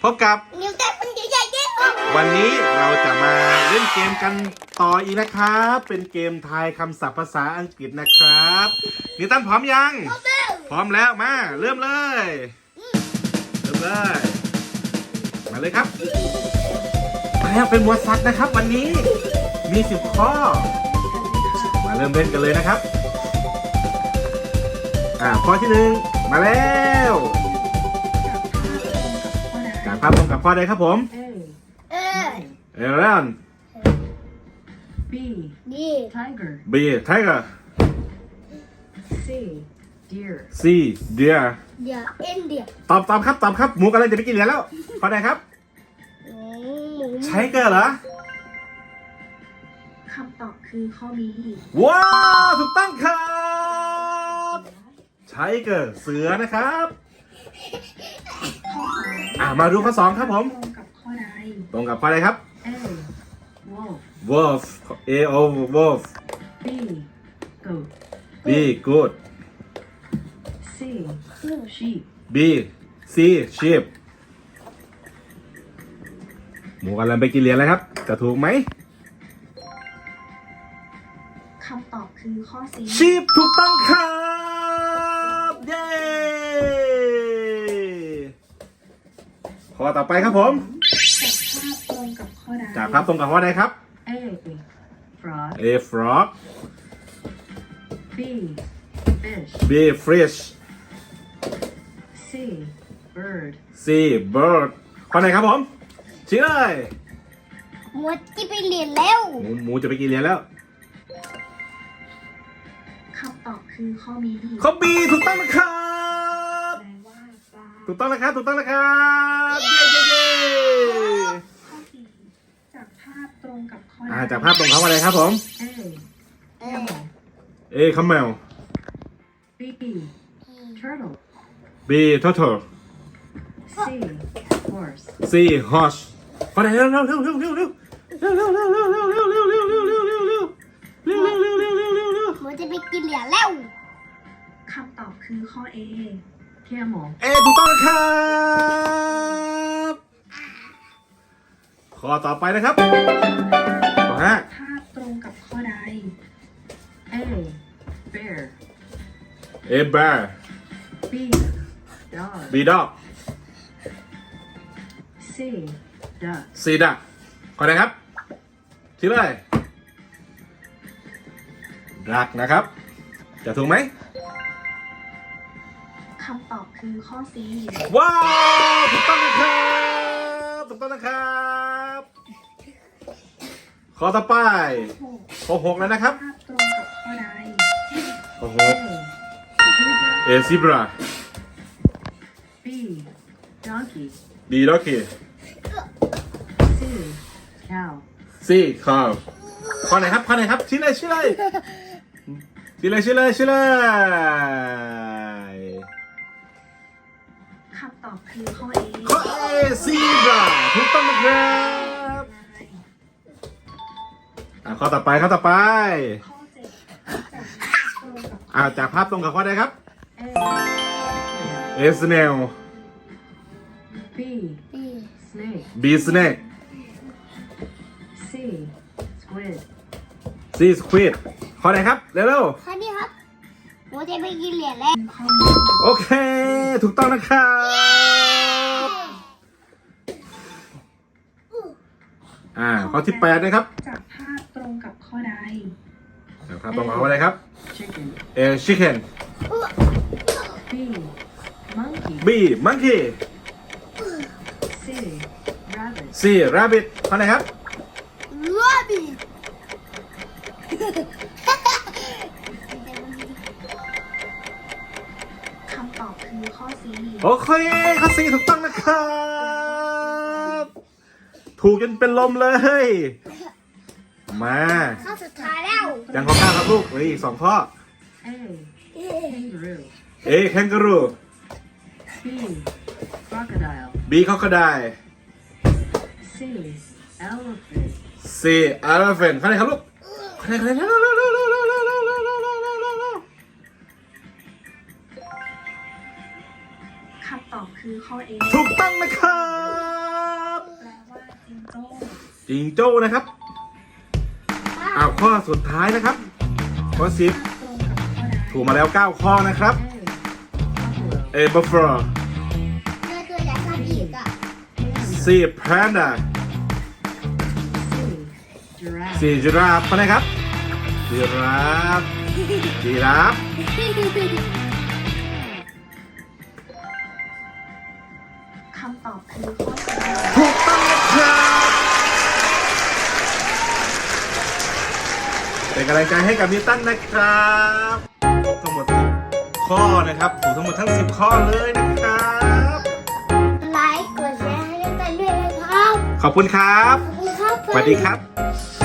บกับนิวแต่คนใหญ่ๆเด้อวันนี้เราจะมาเล่นเกมกันต่ออีกนะครับ เป็นเกมทายคำศัพท์ภาษาอังกฤษนะครับนิวตันพร้อมยัง พร้อมแล้วมาเริ่มเลยมาเลยครับมาแล้วเป็นหมวดสัตว์นะครับ วันนี้มี10 ข้อมาเริ่มเล่นกันเลยนะครับข้อที่1มาแล้วจากภาพตรงกับข้อใดครับผมเอรอน B tiger B tiger C deer C deer เดี๋ยวเอ็นเดี๋ยวตอบครับหมูกำลังจะไปกินเหรียญแล้วข้อใดครับหมูไชเกอร์เหรอคำตอบคือข้อB ว้าวถูกต้องครับไชเกอร์เสือนะครับมาดูข้อ2ครับผมตรงกับข้อใดตรงกับข้อใดครับ A wolf wolf A O wolf B goat B good C sheep B C sheep หมูกำลังไปกินเหรียญแล้วครับจะถูกไหมคำตอบคือข้อ C sheep ถูกต้องครับเย้ข้อต่อไปครับผมจากภาพตรงกับข้อใดจากภาพตรงกับข้อใดครับ A frog A frog B fish B fish C bird C bird ข้อไหนครับผมชี้เลยหมูที่ไปเรียนแล้วหมูจะไปกินเหรียญแล้วคำตอบคือข้อ B ข้อ B ถูกต้องนะครับแปลว่าปลาถูกต้องนะครับเย้ข้อ C จากภาพตรงกับข้อจากภาพตรงเขาอะไรครับผม A เออ A คัมเมล B turtle B turtle C horse C horse ข้อไหนเร็วหมูจะไปกินเหรียญแล้วคำตอบคือข้อ A camel A ถูกต้องนะครับข้อต่อไปนะครับข้อ5 ภาพตรงกับข้อใด A bear A bear B dog B dog C duck C duck ข้อไหนครับชี้เลยดักนะครับจะถูกไหมคำตอบคือข้อ C ว้าวถูกต้องนะครับข้อต่อไปข้อ6แล้วนะครับภาพตรงกับข้อใดข้อ A 6 A zebra B donkey B donkey C cow C cow ข้อไหนครับชี้เลยคำตอบคือข้อ A ข้อ A zebra ถูกต้องนะครับข้อต่อไปข้อ 7 จากภาพตรงกับข้อใดครับ A A snail B snake B snake C squid C squid ข้อไหนครับเร็วข้อนี้ครับหมูจะไปกินเหรียญแล้วข้อมูลๆโอเคถูกต้องนะครับข้อที่8นะครับจากภาพตรงกับข้อใดจากภาพตรงกับข้อใดครับ chicken A chicken B monkey B monkey C rabbit C rabbit ข้อไหนครับรัวบีคำตอบคือข้อ C โอเคข้อ C ถูกต้องนะครับ ถูกจนเป็นลมเลย มาข้อสุดท้ายแล้วยังข้อ9ครับลูกเหลืออีก2 ข้อ A kangaroo A kangaroo B crocodile B crocodile C elephant C elephant ข้อไหนครับลูกข้อไหนคำตอบคือข้อ A ถูกต้องนะครับจิงโจ้นะครับอ้าวข้อสุดท้ายนะครับข้อ10 ตรงกับข้อใดถูกมาแล้ว 9 ข้อนะครับ บัฟเฟอร์เมื่อตัวใหญ่ข้าอีกอ่ะ C panda 4 จิราฟนะครับจิราฟคำตอบคือข้อใดถูกต้องนะครับเป็นกำลังใจให้กับนิวตันนะครับทั้งหมด10ข้อนะครับถูกทั้งหมดทั้ง10 ข้อเลยนะครับไลค์กดแชร์ให้กันด้วยนะครับขอบคุณครับขอบคุณครับสวัสดีครับ